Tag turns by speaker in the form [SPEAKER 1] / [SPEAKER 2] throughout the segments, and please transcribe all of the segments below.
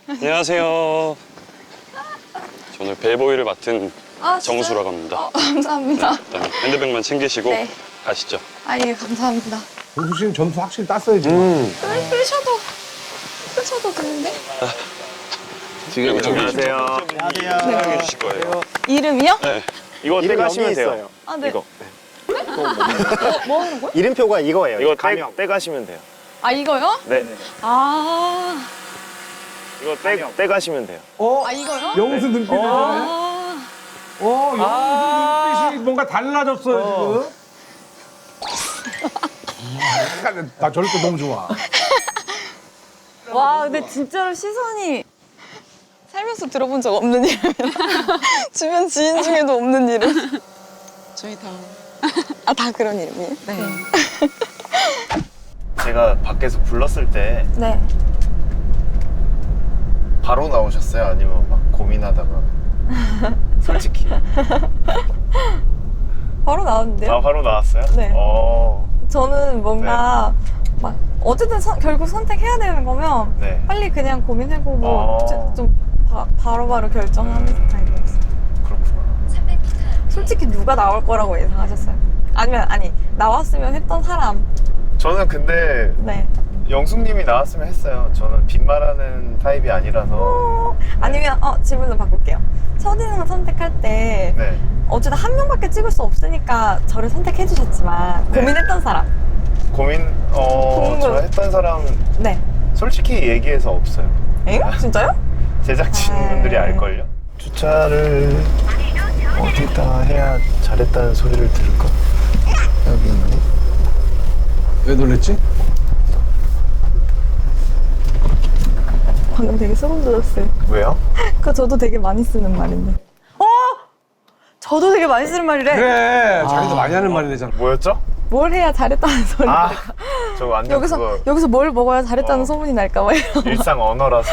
[SPEAKER 1] 안녕하세요. 저는 벨보이를 맡은
[SPEAKER 2] 아,
[SPEAKER 1] 정수라고 합니다.
[SPEAKER 2] 감사합니다.
[SPEAKER 1] 네, 일단 핸드백만 챙기시고
[SPEAKER 2] 네.
[SPEAKER 1] 가시죠.
[SPEAKER 2] 아, 예, 감사합니다.
[SPEAKER 3] 정수 씨는 점수 확실히 땄어야지.
[SPEAKER 2] 끄셔도 되는데?
[SPEAKER 1] 지금
[SPEAKER 4] 안녕하세요.
[SPEAKER 1] 사용해 주실 거예요.
[SPEAKER 2] 이름이요?
[SPEAKER 1] 네.
[SPEAKER 4] 이거
[SPEAKER 5] 이름
[SPEAKER 4] 떼가시면
[SPEAKER 5] 여기
[SPEAKER 4] 돼요.
[SPEAKER 5] 있어요.
[SPEAKER 2] 아, 네.
[SPEAKER 4] 이거.
[SPEAKER 2] 뭐 하는 거야?
[SPEAKER 5] 이름표가 이거예요.
[SPEAKER 4] 이거
[SPEAKER 5] 가명.
[SPEAKER 4] 떼가시면 돼요.
[SPEAKER 2] 아, 이거요?
[SPEAKER 4] 네.
[SPEAKER 2] 아,
[SPEAKER 4] 이거 떼가시면 돼요.
[SPEAKER 3] 어?
[SPEAKER 2] 아, 이거요?
[SPEAKER 3] 영수 눈빛이 네.
[SPEAKER 2] 아,
[SPEAKER 3] 영수 눈빛이 뭔가 달라졌어요, 지금. 나 저럴 때 너무 좋아.
[SPEAKER 2] 와, 근데 진짜로 시선이 살면서 들어본 적 없는 이름이라. 주변 지인 중에도 없는 이름.
[SPEAKER 6] 저희 다.
[SPEAKER 2] 아, 다 그런 이름이에요?
[SPEAKER 6] 네.
[SPEAKER 4] 제가 밖에서 불렀을 때
[SPEAKER 2] 네.
[SPEAKER 4] 바로 나오셨어요? 아니면 막 고민하다가? 솔직히.
[SPEAKER 2] 바로 나왔는데요?
[SPEAKER 4] 아, 바로 나왔어요?
[SPEAKER 2] 네. 저는 뭔가
[SPEAKER 4] 네.
[SPEAKER 2] 막 어쨌든 결국 선택해야 되는 거면
[SPEAKER 4] 네.
[SPEAKER 2] 빨리 그냥 고민해보고
[SPEAKER 4] 아.
[SPEAKER 2] 좀 바로바로 결정하는 스타일이었어요.
[SPEAKER 4] 그렇구나.
[SPEAKER 2] 솔직히 누가 나올 거라고 예상하셨어요? 아니 나왔으면 했던 사람.
[SPEAKER 4] 저는 근데
[SPEAKER 2] 네.
[SPEAKER 4] 영숙님이 나왔으면 했어요. 저는 빈말하는 타입이 아니라서.
[SPEAKER 2] 아니면 질문을 바꿀게요. 첫인상 선택할 때
[SPEAKER 4] 네.
[SPEAKER 2] 어쨌든 한 명밖에 찍을 수 없으니까 저를 선택해 주셨지만
[SPEAKER 4] 네.
[SPEAKER 2] 고민했던 사람.
[SPEAKER 4] 저 했던 사람
[SPEAKER 2] 네.
[SPEAKER 4] 솔직히 얘기해서 없어요.
[SPEAKER 2] 엥? 진짜요?
[SPEAKER 4] 제작진분들이 알걸요? 주차를 어디다 해야 잘했다는 소리를 들을까? 여기 있네.
[SPEAKER 3] 왜 놀랬지?
[SPEAKER 2] 방금 되게 소름 돋았어요.
[SPEAKER 4] 왜요?
[SPEAKER 2] 그거 저도 되게 많이 쓰는 말인데. 저도 되게 많이 쓰는 말이래.
[SPEAKER 3] 그래, 자기도 많이 하는 말이래잖아.
[SPEAKER 4] 뭐였죠?
[SPEAKER 2] 뭘 해야 잘했다는 소리.
[SPEAKER 4] 아, 저 완전 그거
[SPEAKER 2] 여기서 뭘 먹어야 잘했다는
[SPEAKER 4] 어.
[SPEAKER 2] 소문이 날까 봐요.
[SPEAKER 4] 일상 언어라서.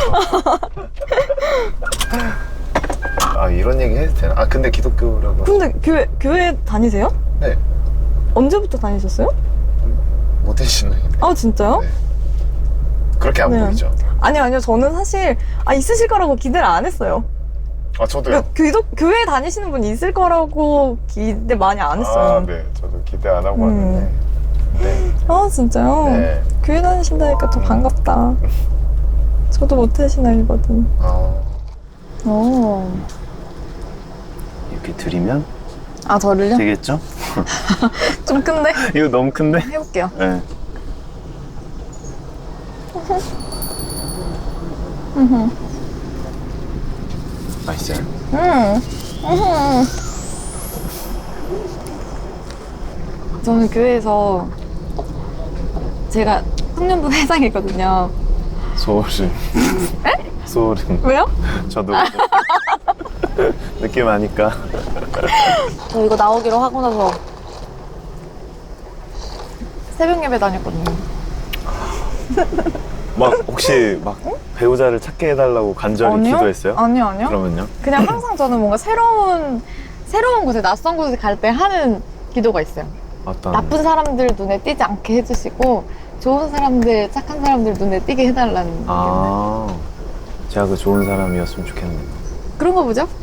[SPEAKER 4] 아, 이런 얘기 해도 되나? 아, 근데 기독교라고.
[SPEAKER 2] 근데 교회 다니세요?
[SPEAKER 4] 네.
[SPEAKER 2] 언제부터 다니셨어요?
[SPEAKER 4] 모태신앙인데.
[SPEAKER 2] 아, 진짜요?
[SPEAKER 4] 네. 그렇게 안
[SPEAKER 2] 네.
[SPEAKER 4] 보이죠?
[SPEAKER 2] 아니요. 저는 사실 있으실 거라고 기대를 안 했어요.
[SPEAKER 4] 아, 저도요.
[SPEAKER 2] 교회 다니시는 분 있을 거라고 기대 많이 안 했어요.
[SPEAKER 4] 아, 네. 저도 기대 안 하고 왔는데. 네.
[SPEAKER 2] 아, 진짜요?
[SPEAKER 4] 네.
[SPEAKER 2] 교회 다니신다니까 더 반갑다. 저도 모태신앙이거든.
[SPEAKER 4] 이렇게 드리면
[SPEAKER 2] 저를요?
[SPEAKER 4] 되겠죠?
[SPEAKER 2] 좀 큰데?
[SPEAKER 4] 이거 너무 큰데?
[SPEAKER 2] 해볼게요.
[SPEAKER 4] 네. 맛있어요?
[SPEAKER 2] 저는 교회에서 제가 청년부 회장이거든요.
[SPEAKER 4] 소름. 소름.
[SPEAKER 2] 왜요?
[SPEAKER 4] 저도 느낌 아니까.
[SPEAKER 2] 저 이거 나오기로 하고 나서 새벽 예배 다녔거든요.
[SPEAKER 4] 막 혹시 막 배우자를 찾게 해달라고 간절히 기도했어요?
[SPEAKER 2] 아니요.
[SPEAKER 4] 그러면요?
[SPEAKER 2] 그냥 항상 저는 뭔가 새로운 곳에, 낯선 곳에 갈 때 하는 기도가 있어요.
[SPEAKER 4] 어떤
[SPEAKER 2] 나쁜 사람들 눈에 띄지 않게 해주시고 좋은 사람들, 착한 사람들 눈에 띄게 해달라는
[SPEAKER 4] 아, 제가 그 좋은 사람이었으면 좋겠네요.
[SPEAKER 2] 그런 거 보죠?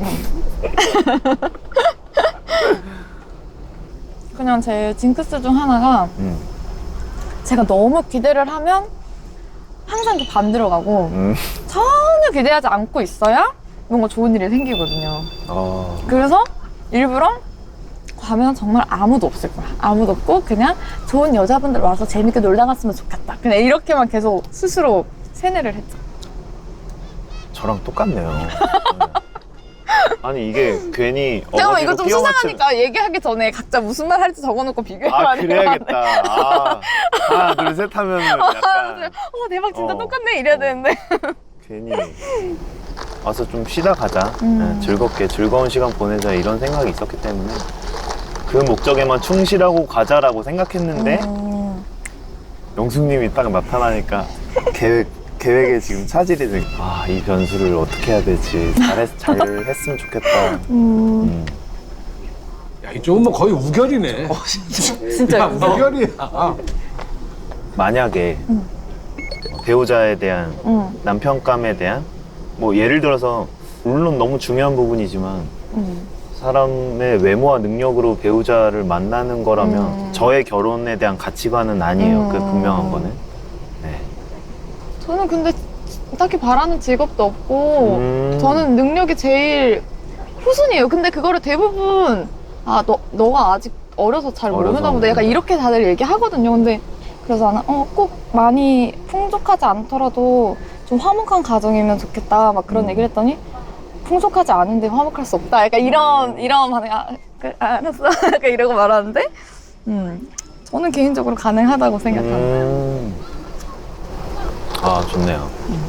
[SPEAKER 2] 그냥 제 징크스 중 하나가 제가 너무 기대를 하면 항상 그 반대로 가고 전혀 기대하지 않고 있어야 뭔가 좋은 일이 생기거든요. 그래서 일부러 가면 정말 아무도 없을 거야. 아무도 없고 그냥 좋은 여자분들 와서 재밌게 놀다 갔으면 좋겠다. 그냥 이렇게만 계속 스스로 세뇌를 했죠.
[SPEAKER 4] 저랑 똑같네요. 네. 아니 이게 괜히
[SPEAKER 2] 잠깐만, 이거
[SPEAKER 4] 어거지로
[SPEAKER 2] 좀
[SPEAKER 4] 끼워 맞추...
[SPEAKER 2] 수상하니까 얘기하기 전에 각자 무슨 말 할지 적어놓고 비교해봐야
[SPEAKER 4] 아,
[SPEAKER 2] 될 것
[SPEAKER 4] 그래야겠다.
[SPEAKER 2] 같네.
[SPEAKER 4] 아, 하나 둘 셋 하면은 약간
[SPEAKER 2] 대박, 진짜
[SPEAKER 4] 어.
[SPEAKER 2] 똑같네 이래야 되는데.
[SPEAKER 4] 괜히 와서 좀 쉬다 가자. 네, 즐겁게 즐거운 시간 보내자 이런 생각이 있었기 때문에 그 목적에만 충실하고 가자라고 생각했는데 영숙님이 딱 나타나니까 계획에 지금 차질이 돼. 아, 이 변수를 어떻게 해야 되지? 잘했으면 좋겠다.
[SPEAKER 3] 야, 이쪽은 뭐 거의 우결이네.
[SPEAKER 2] 진짜
[SPEAKER 3] 우결이야.
[SPEAKER 4] 만약에 배우자에 대한 남편감에 대한 뭐 예를 들어서 물론 너무 중요한 부분이지만 사람의 외모와 능력으로 배우자를 만나는 거라면 저의 결혼에 대한 가치관은 아니에요. 그 분명한 거는. 네.
[SPEAKER 2] 저는 근데 딱히 바라는 직업도 없고 저는 능력이 제일 후순이에요. 근데 그거를 대부분 너가 아직 어려서 잘
[SPEAKER 4] 어려서
[SPEAKER 2] 모르나 보다 약간 이렇게 다들 얘기하거든요. 근데 그래서 나는 꼭 많이 풍족하지 않더라도 좀 화목한 가정이면 좋겠다 막 그런 얘기를 했더니 풍족하지 않은데 화목할 수 없다 약간 이런 반응 그래, 알았어 약간 이러고 말하는데 저는 개인적으로 가능하다고 생각합니다.
[SPEAKER 4] 아 좋네요.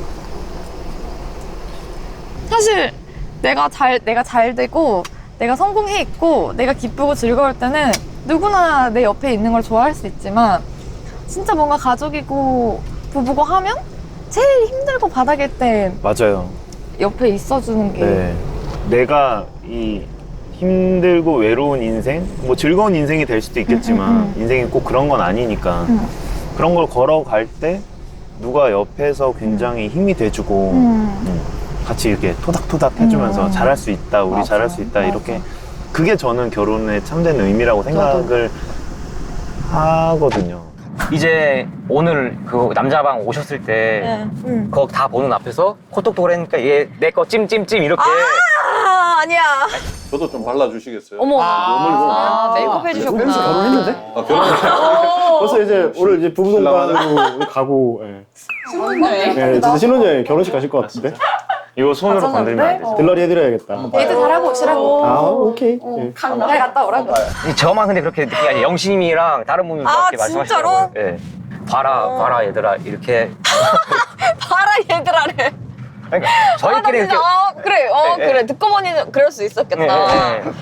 [SPEAKER 2] 사실 내가 잘 되고 내가 성공해 있고 내가 기쁘고 즐거울 때는 누구나 내 옆에 있는 걸 좋아할 수 있지만 진짜 뭔가 가족이고 부부고 하면 제일 힘들고 바닥일 때
[SPEAKER 4] 맞아요.
[SPEAKER 2] 옆에 있어주는 게
[SPEAKER 4] 네. 내가 이 힘들고 외로운 인생, 뭐 즐거운 인생이 될 수도 있겠지만 인생이 꼭 그런 건 아니니까 그런 걸 걸어갈 때 누가 옆에서 굉장히 힘이 돼주고 같이 이렇게 토닥토닥 해주면서 잘할 수 있다, 우리
[SPEAKER 2] 맞아,
[SPEAKER 4] 잘할 수 있다
[SPEAKER 2] 맞아.
[SPEAKER 4] 이렇게 그게 저는 결혼의 참된 의미라고 생각을 하거든요.
[SPEAKER 5] 이제 오늘 그 남자방 오셨을 때 그거 다 보는 앞에서 코톡톡을 했으니까 얘 내 거 찜찜찜 이렇게
[SPEAKER 2] 아니야
[SPEAKER 6] 저도 좀 발라주시겠어요?
[SPEAKER 2] 어머
[SPEAKER 7] 아,
[SPEAKER 2] 메이크업 해주셨구나
[SPEAKER 7] 결혼했는데?
[SPEAKER 6] 아, 결혼했어요?
[SPEAKER 7] 벌써 이제 오늘 이제 부부동반으로 가고 예. 신혼여행? 네, 진짜 신혼여행 결혼식 가실 것 같은데?
[SPEAKER 4] 이거 손으로 건들면 안 되죠.
[SPEAKER 7] 들러리 해드려야겠다.
[SPEAKER 2] 데이트 잘하고 오시라고
[SPEAKER 7] 아 오케이. 예.
[SPEAKER 2] 잘 갔다 오라고
[SPEAKER 5] 저만 근데 그렇게 느끼는 게 아니라 영심이랑 다른 분들께 말씀하시더라고요. 예. 봐라 얘들아 이렇게
[SPEAKER 8] 봐라 얘들아래.
[SPEAKER 5] 그러니까 저희끼리 이렇게
[SPEAKER 8] 그래
[SPEAKER 5] 네,
[SPEAKER 8] 그래 듣고 보니 그럴 수 있었겠다.
[SPEAKER 5] 네.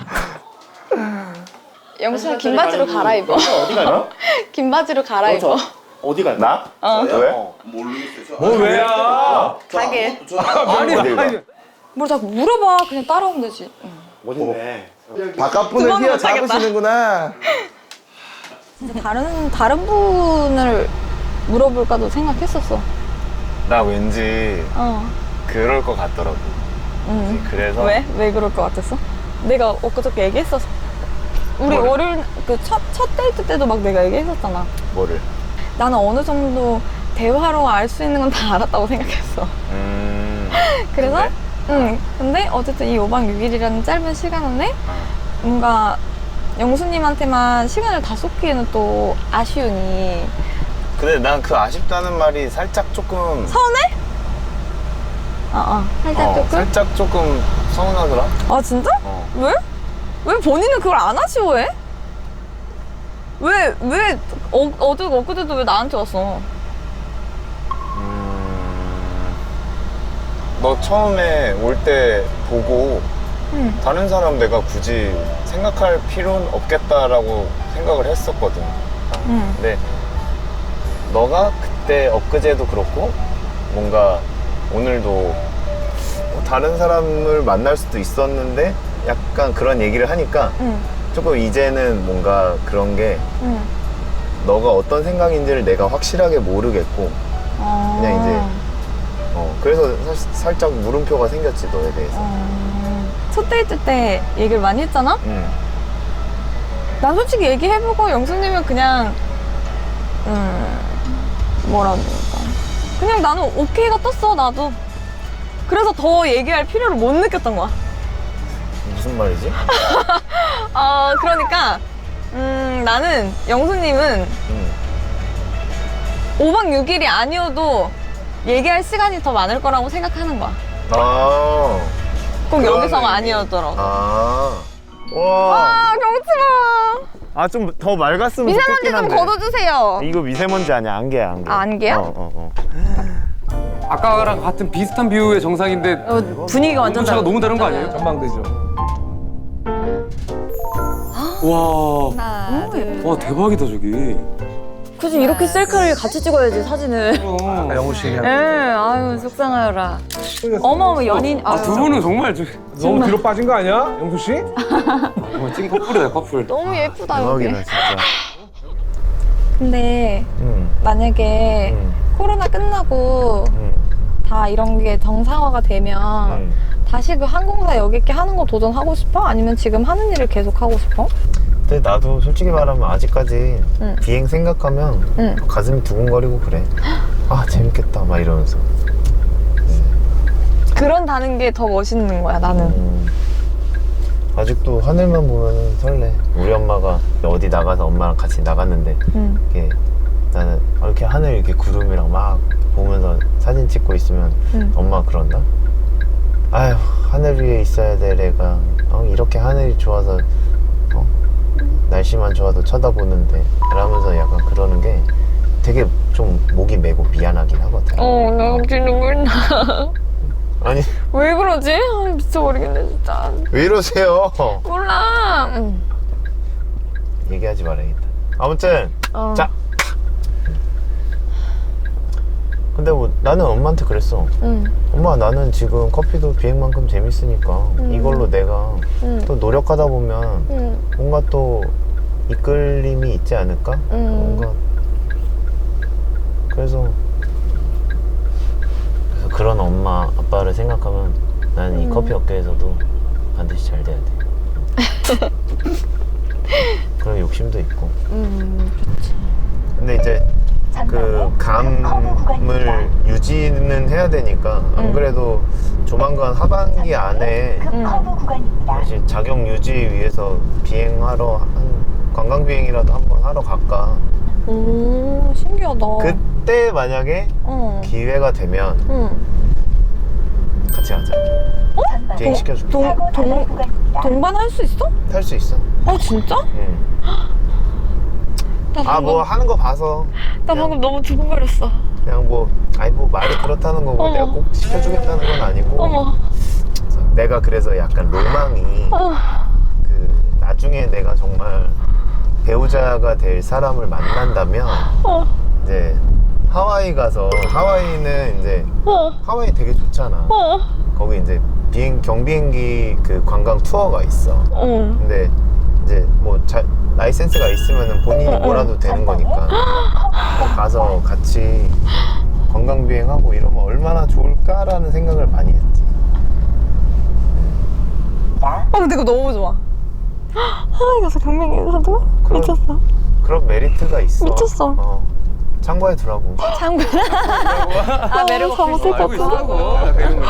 [SPEAKER 8] 영수야 긴 바지로 갈아입어.
[SPEAKER 7] 어디 가나?
[SPEAKER 8] 긴 바지로 갈아입어.
[SPEAKER 7] 어디 가나?
[SPEAKER 4] 왜?
[SPEAKER 3] 뭐 왜야?
[SPEAKER 8] 가게.
[SPEAKER 3] 아니 아니.
[SPEAKER 8] 뭘 자꾸 물어봐. 그냥 따라오면 되지.
[SPEAKER 7] 어딘데?
[SPEAKER 9] 바깥분을
[SPEAKER 8] 그거는
[SPEAKER 9] 휘어
[SPEAKER 8] 못하겠다.
[SPEAKER 9] 잡으시는구나.
[SPEAKER 8] 다른 분을 물어볼까도 생각했었어.
[SPEAKER 4] 나 왠지 그럴 것 같더라고. 그래서
[SPEAKER 8] 왜 그럴 것 같았어? 내가 엊그저께 얘기했었어. 우리 월요일 그 첫 데이트 때도 막 내가 얘기했었잖아.
[SPEAKER 4] 뭐를?
[SPEAKER 8] 나는 어느 정도 대화로 알 수 있는 건 다 알았다고 생각했어. 그래서 근데 어쨌든 이 5박 6일이라는 짧은 시간 안에 뭔가 영수님한테만 시간을 다 쏟기에는 또 아쉬우니.
[SPEAKER 4] 근데 난 그 아쉽다는 말이 살짝 조금
[SPEAKER 8] 서운해? 살짝 조금?
[SPEAKER 4] 살짝 조금 서운하더라.
[SPEAKER 8] 아 진짜?
[SPEAKER 4] 어.
[SPEAKER 8] 왜? 왜 본인은 그걸 안 아쉬워해? 왜 엊그제도 왜 나한테 왔어?
[SPEAKER 4] 너 처음에 올 때 보고 다른 사람 내가 굳이 생각할 필요는 없겠다라고 생각을 했었거든. 근데 너가 그때 엊그제도 그렇고 뭔가 오늘도 뭐 다른 사람을 만날 수도 있었는데 약간 그런 얘기를 하니까 조금 이제는 뭔가 그런 게 너가 어떤 생각인지를 내가 확실하게 모르겠고 그냥 이제 그래서 살짝 물음표가 생겼지 너에 대해서.
[SPEAKER 8] 첫 데이트 때 얘기를 많이 했잖아? 난 솔직히 얘기해보고 영수님은 그냥 뭐라 그럴까 그냥 나는 오케이가 떴어 나도. 그래서 더 얘기할 필요를 못 느꼈던 거야.
[SPEAKER 4] 무슨 말이지?
[SPEAKER 8] 그러니까 나는 영수님은 5박 6일이 아니어도 얘기할 시간이 더 많을 거라고 생각하는 거야. 꼭 여기서가 아니었더라고.
[SPEAKER 4] 와.
[SPEAKER 8] 경치마.
[SPEAKER 4] 좀 더 맑았으면
[SPEAKER 8] 미세먼지
[SPEAKER 4] 좋겠긴
[SPEAKER 8] 좀
[SPEAKER 4] 한데.
[SPEAKER 8] 걷어주세요.
[SPEAKER 4] 이거 미세먼지 아니야, 안개야, 안개.
[SPEAKER 8] 안개야?
[SPEAKER 3] 아까랑 같은 비슷한 뷰의 정상인데
[SPEAKER 8] 분위기가 완전
[SPEAKER 3] 온도차가 너무 다른 거 아니에요? 전망대죠. 와,
[SPEAKER 8] 하나, 둘.
[SPEAKER 3] 와 대박이다 저기.
[SPEAKER 8] 굳이 이렇게 셀카를 같이 찍어야지 사진을.
[SPEAKER 3] 영호 씨.
[SPEAKER 8] 예, 아유 속상하여라. 어머 연인.
[SPEAKER 3] 두 분은 정말 너무 뒤로 빠진 거 아니야, 영수 씨? 정말 찐 커플이다 커플.
[SPEAKER 8] 너무 예쁘다 여기.
[SPEAKER 4] 대박이다, 진짜.
[SPEAKER 8] 근데 만약에 코로나 끝나고 다 이런 게 정상화가 되면 다시 그 항공사 여기 있게 하는 거 도전하고 싶어? 아니면 지금 하는 일을 계속 하고 싶어?
[SPEAKER 4] 근데 나도 솔직히 말하면 아직까지 비행 생각하면 가슴이 두근거리고 그래. 아 재밌겠다 막 이러면서.
[SPEAKER 8] 그런다는 게 더 멋있는 거야 나는.
[SPEAKER 4] 아직도 하늘만 보면 설레. 우리 엄마가 어디 나가서 엄마랑 같이 나갔는데 이렇게 나는 이렇게 하늘 이렇게 구름이랑 막 보면서 사진 찍고 있으면 엄마가 그런다? 아휴 하늘 위에 있어야 돼 내가. 이렇게 하늘이 좋아서 날씨만 좋아도 쳐다보는데 이러면서 약간 그러는 게 되게 좀 목이 메고 미안하긴 하거든.
[SPEAKER 8] 나 갑자기 눈물 나.
[SPEAKER 4] 아니
[SPEAKER 8] 왜 그러지? 아, 미쳐버리겠네 진짜.
[SPEAKER 4] 왜 이러세요?
[SPEAKER 8] 몰라.
[SPEAKER 4] 얘기하지 말아야겠다. 아무튼 자 근데 뭐 나는 엄마한테 그랬어. 엄마 나는 지금 커피도 비행만큼 재밌으니까 이걸로 내가 또 노력하다 보면 뭔가 또 이끌림이 있지 않을까? 뭔가 그래서 그런 엄마 아빠를 생각하면 나는 이 커피 업계에서도 반드시 잘 돼야 돼. 그런 욕심도 있고.
[SPEAKER 8] 그렇지.
[SPEAKER 4] 근데 이제 그 감을 유지는 해야 되니까 안 그래도 조만간 하반기 안에 사실 자격 유지 위해서 비행하러 관광 비행이라도 한번 하러 갈까.
[SPEAKER 8] 오 신기하다.
[SPEAKER 4] 그때 만약에 기회가 되면 같이 가자. 비행 시켜줄게.
[SPEAKER 8] 동반 할 수 있어?
[SPEAKER 4] 탈 수 있어.
[SPEAKER 8] 진짜?
[SPEAKER 4] 응. 뭐 하는 거 봐서
[SPEAKER 8] 나 방금 너무 두근거렸어.
[SPEAKER 4] 그냥 뭐 말이 그렇다는 거고 내가 꼭 시켜주겠다는 건 아니고 내가 그래서 약간 로망이 그 나중에 내가 정말 배우자가 될 사람을 만난다면 이제 하와이 가서 하와이는 이제 하와이 되게 좋잖아. 거기 이제 경비행기 그 관광 투어가 있어. 근데 이제 뭐 라이센스가 있으면 본인이 뭐라도 되는 거니까 가서 같이 관광 비행하고 이러면 얼마나 좋을까라는 생각을 많이 했지.
[SPEAKER 8] 근데 이거 너무 좋아. 하와이 가서 경비행기에서도 미쳤어.
[SPEAKER 4] 그런 메리트가 있어.
[SPEAKER 8] 미쳤어.
[SPEAKER 4] 참고해 두라고.
[SPEAKER 8] 매력
[SPEAKER 3] 알고 있어.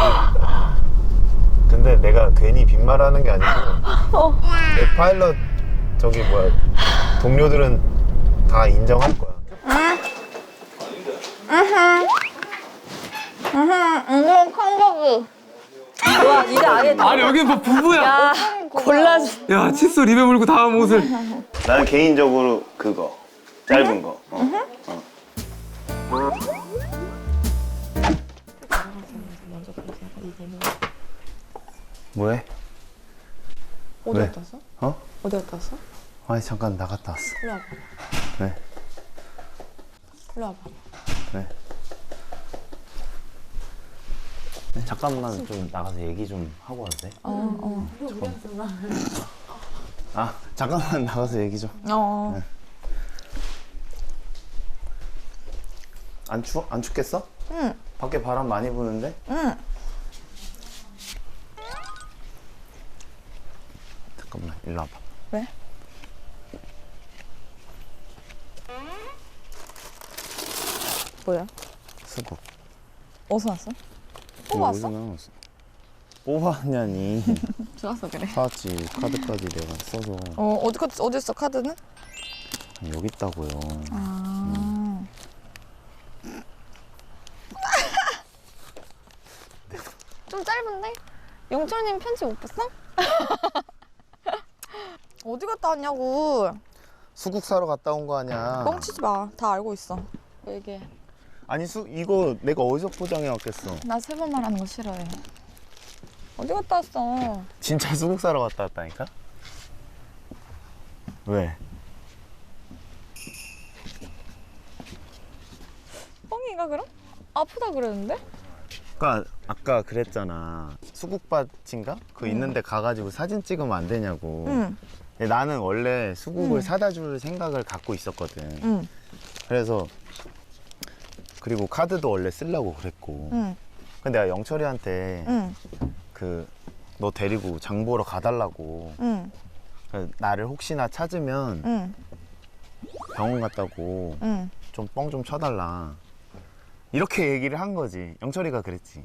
[SPEAKER 4] 근데 내가 괜히 빈말하는 게 아니고 내 파일럿 저기 뭐야 동료들은 다 인정할 거야.
[SPEAKER 8] 이게 콩고기.
[SPEAKER 2] 와 이제 아예
[SPEAKER 3] 아니 여기 뭐 부부야.
[SPEAKER 2] 골라주.
[SPEAKER 3] 야 칫솔 입에 물고 다음 옷을.
[SPEAKER 4] 나는 개인적으로 그거 짧은 거. 뭐해?
[SPEAKER 2] 어디
[SPEAKER 4] 왜?
[SPEAKER 2] 갔다 왔어? 어디 갔다 왔어?
[SPEAKER 4] 아니 잠깐 나갔다 왔어.
[SPEAKER 2] 일로 와봐.
[SPEAKER 4] 왜?
[SPEAKER 2] 일로 와봐.
[SPEAKER 4] 왜? 잠깐만 좀 나가서 얘기 좀 하고 와도 돼? 잠깐만 나가서 얘기 좀. 네. 안 추워? 안 춥겠어?
[SPEAKER 8] 응.
[SPEAKER 4] 밖에 바람 많이 부는데?
[SPEAKER 8] 응.
[SPEAKER 4] 잠깐만 일로 와봐.
[SPEAKER 8] 왜? 뭐야?
[SPEAKER 4] 수국.
[SPEAKER 8] 어디서 왔어?
[SPEAKER 4] 뽑았어? 뽑았냐니.
[SPEAKER 8] 좋았어 그래.
[SPEAKER 4] 사왔지. 카드까지 내가 써서.
[SPEAKER 8] 어디 있어 카드는?
[SPEAKER 4] 여기 있다고요.
[SPEAKER 8] 좀 짧은데? 영철님 편지 못 봤어? 어디 갔다 왔냐고.
[SPEAKER 4] 수국 사러 갔다 온 거 아니야.
[SPEAKER 8] 뻥치지 마. 다 알고 있어. 얘기해.
[SPEAKER 4] 아니 이거 내가 어디서 포장해 왔겠어.
[SPEAKER 8] 나 세 번 말하는 거 싫어해. 어디 갔다 왔어?
[SPEAKER 4] 진짜 수국 사러 갔다 왔다니까? 왜?
[SPEAKER 8] 뻥이가 그럼? 아프다 그랬는데?
[SPEAKER 4] 그러니까 아까 그랬잖아. 수국밭인가? 그거 있는데 가가지고 사진 찍으면 안 되냐고.
[SPEAKER 8] 응.
[SPEAKER 4] 근데 나는 원래 수국을 사다 줄 생각을 갖고 있었거든.
[SPEAKER 8] 응.
[SPEAKER 4] 그래서 그리고 카드도 원래 쓰려고 그랬고.
[SPEAKER 8] 응.
[SPEAKER 4] 근데 내가 영철이한테
[SPEAKER 8] 응.
[SPEAKER 4] 너 데리고 장 보러 가달라고.
[SPEAKER 8] 응.
[SPEAKER 4] 나를 혹시나 찾으면
[SPEAKER 8] 응.
[SPEAKER 4] 병원 갔다고
[SPEAKER 8] 응.
[SPEAKER 4] 좀 뻥 좀 쳐달라. 이렇게 얘기를 한 거지. 영철이가 그랬지.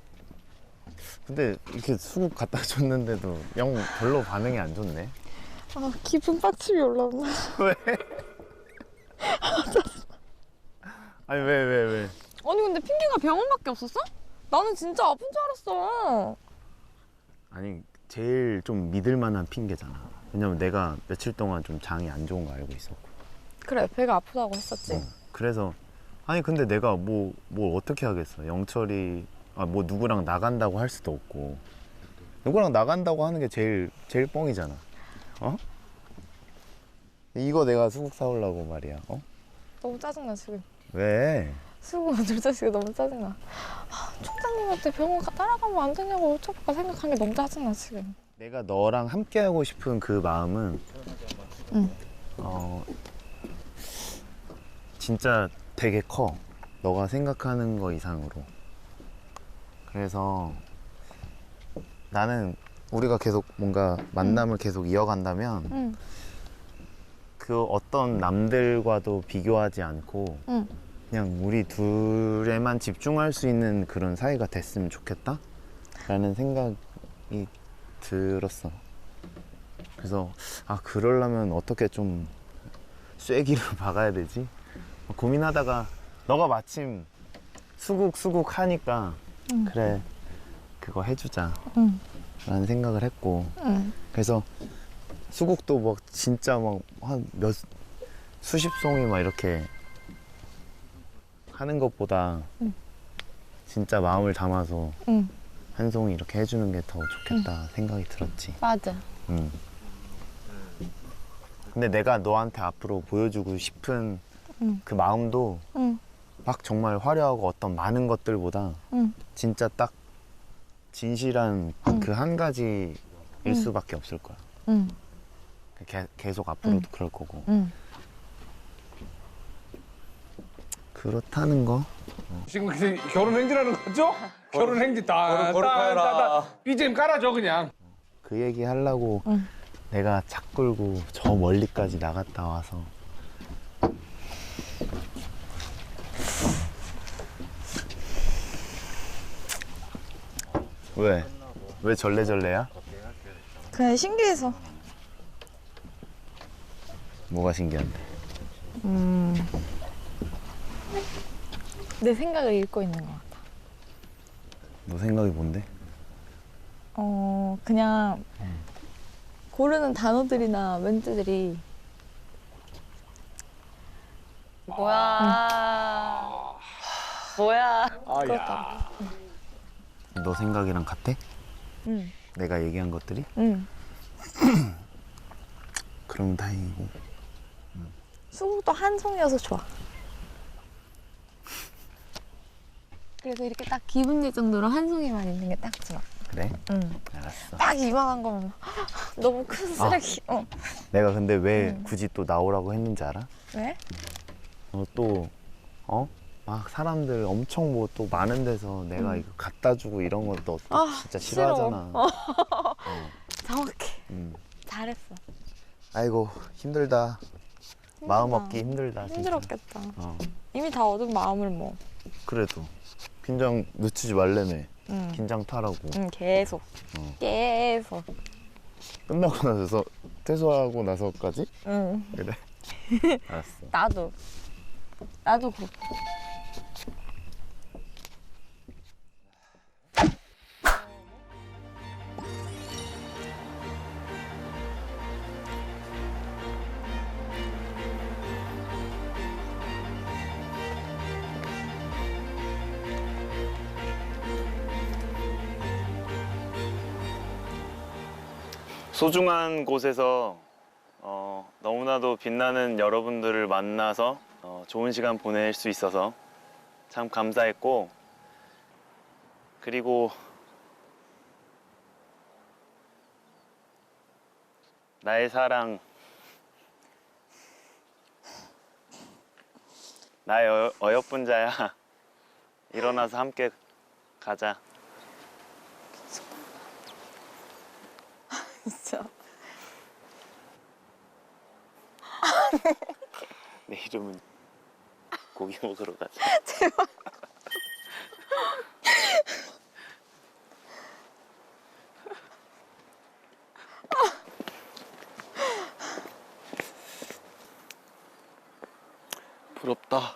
[SPEAKER 4] 근데 이렇게 수국 갖다 줬는데도 영 별로 반응이 안 좋네.
[SPEAKER 8] 아, 기분 빡침이 올라온다.
[SPEAKER 4] 왜? 아니 왜?
[SPEAKER 8] 아니, 근데 핑계가 병원밖에 없었어? 나는 진짜 아픈 줄 알았어.
[SPEAKER 4] 아니 제일 좀 믿을 만한 핑계잖아. 왜냐면 내가 며칠 동안 좀 장이 안 좋은 거 알고 있었고.
[SPEAKER 8] 그래, 배가 아프다고 했었지.
[SPEAKER 4] 그래서 아니 근데 내가 뭘 어떻게 하겠어. 영철이 뭐 누구랑 나간다고 할 수도 없고. 누구랑 나간다고 하는 게 제일 뻥이잖아. 어? 이거 내가 수국 사오려고 말이야. 어?
[SPEAKER 8] 너무 짜증나, 지금.
[SPEAKER 4] 왜?
[SPEAKER 8] 수고 둘째씨가 너무 짜증나. 총장님한테 병원 따라가면 안 되냐고 어쩌까 생각한 게 너무 짜증나, 지금.
[SPEAKER 4] 내가 너랑 함께 하고 싶은 그 마음은
[SPEAKER 8] 응.
[SPEAKER 4] 진짜 되게 커. 너가 생각하는 거 이상으로. 그래서 나는 우리가 계속 뭔가 만남을 계속 이어간다면
[SPEAKER 8] 응.
[SPEAKER 4] 그 어떤 남들과도 비교하지 않고
[SPEAKER 8] 응.
[SPEAKER 4] 그냥 우리 둘에만 집중할 수 있는 그런 사이가 됐으면 좋겠다? 라는 생각이 들었어. 그래서 그러려면 어떻게 좀 쐐기를 박아야 되지? 고민하다가 너가 마침 수국 하니까 그래 그거 해주자 라는 생각을 했고 그래서 수국도 막 진짜 막 한 수십 송이 막 이렇게 하는 것보다 진짜 마음을 담아서 한 송이 이렇게 해주는 게 더 좋겠다 생각이 들었지.
[SPEAKER 8] 맞아.
[SPEAKER 4] 근데 내가 너한테 앞으로 보여주고 싶은 그 마음도 막 정말 화려하고 어떤 많은 것들보다 진짜 딱 진실한 그 한 가지일 수밖에 없을 거야. 계속 앞으로도 그럴 거고. 그렇다는 거.
[SPEAKER 3] 지금 결혼 행진하는 거죠? 결혼 행진 따 BGM 깔아줘 그냥.
[SPEAKER 4] 그 얘기 하려고 내가 차 끌고 저 멀리까지 나갔다 와서 왜? 왜 절레절레야?
[SPEAKER 8] 그냥 신기해서.
[SPEAKER 4] 뭐가 신기한데?
[SPEAKER 8] 내 생각을 읽고 있는 것 같아.
[SPEAKER 4] 너 생각이 뭔데?
[SPEAKER 8] 그냥 고르는 단어들이나 멘트들이
[SPEAKER 6] 뭐야. 뭐야.
[SPEAKER 8] 그렇다.
[SPEAKER 4] 너 생각이랑 같아?
[SPEAKER 8] 응.
[SPEAKER 4] 내가 얘기한 것들이?
[SPEAKER 8] 응.
[SPEAKER 4] 그럼 다행이고.
[SPEAKER 8] 수국도 한 송이어서 좋아. 그래서 이렇게 딱 기분 낼 정도로 한 송이만 있는 게 딱 좋아.
[SPEAKER 4] 그래?
[SPEAKER 8] 응.
[SPEAKER 4] 알았어.
[SPEAKER 8] 딱 이만한 거면 너무 큰 쓰레기.
[SPEAKER 4] 내가 근데 왜 굳이 또 나오라고 했는지 알아?
[SPEAKER 8] 왜?
[SPEAKER 4] 막 사람들 엄청 뭐 또 많은 데서 내가 이거 갖다 주고 이런 거 너 진짜
[SPEAKER 8] 싫어.
[SPEAKER 4] 싫어하잖아.
[SPEAKER 8] 정확해.
[SPEAKER 4] 음.
[SPEAKER 8] 잘했어.
[SPEAKER 4] 아이고 힘들다. 마음 얻기 힘들다. 진짜.
[SPEAKER 8] 힘들었겠다.
[SPEAKER 4] 어.
[SPEAKER 8] 이미 다 얻은 마음을 뭐.
[SPEAKER 4] 그래도 긴장 늦추지 말래매.
[SPEAKER 8] 응.
[SPEAKER 4] 긴장 타라고.
[SPEAKER 8] 응, 계속. 계속.
[SPEAKER 4] 끝나고 나서 퇴소하고 나서까지?
[SPEAKER 8] 응.
[SPEAKER 4] 그래. 알았어.
[SPEAKER 8] 나도 그렇고.
[SPEAKER 4] 소중한 곳에서 너무나도 빛나는 여러분들을 만나서 좋은 시간 보낼 수 있어서 참 감사했고, 그리고 나의 사랑, 나의 어여쁜 자야, 일어나서 함께 가자.
[SPEAKER 8] 진짜.
[SPEAKER 4] 내 이름은 고기 먹으러 가자. 부럽다.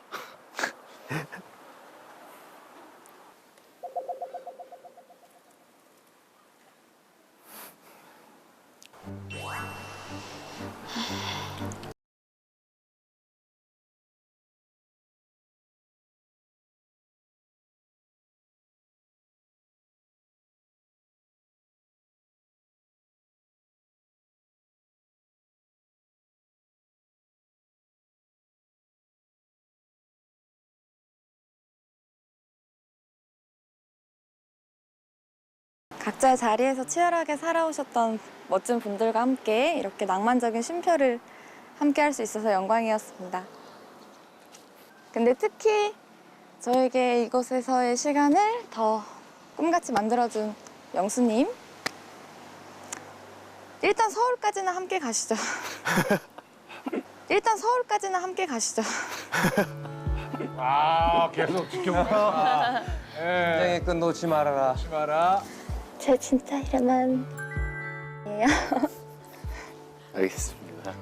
[SPEAKER 8] 각자의 자리에서 치열하게 살아오셨던 멋진 분들과 함께 이렇게 낭만적인 쉼표를 함께 할 수 있어서 영광이었습니다. 근데 특히 저에게 이곳에서의 시간을 더 꿈같이 만들어준 영수님. 일단 서울까지는 함께 가시죠. 일단 서울까지는 함께 가시죠.
[SPEAKER 3] 아 계속 지켜보겠다. 예.
[SPEAKER 5] 끝 놓지 말아라.
[SPEAKER 3] 하지 마라.
[SPEAKER 8] 제 진짜 이름은 예요.
[SPEAKER 4] 알겠습니다.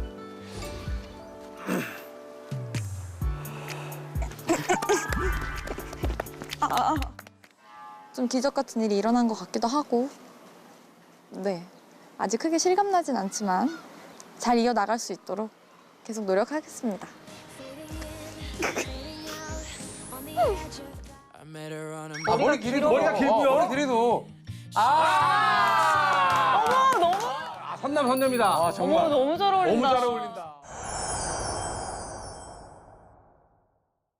[SPEAKER 8] 좀 기적 같은 일이 일어난 것 같기도 하고, 네, 아직 크게 실감나진 않지만 잘 이어나갈 수 있도록 계속 노력하겠습니다.
[SPEAKER 3] 아, 머리 길이도 머리가 길고요. 머리 길이도. 아. 어머 너무. 아, 선남이다. 아, 정말.
[SPEAKER 6] 너무 잘 어울린다.
[SPEAKER 3] 너무 잘 어울린다.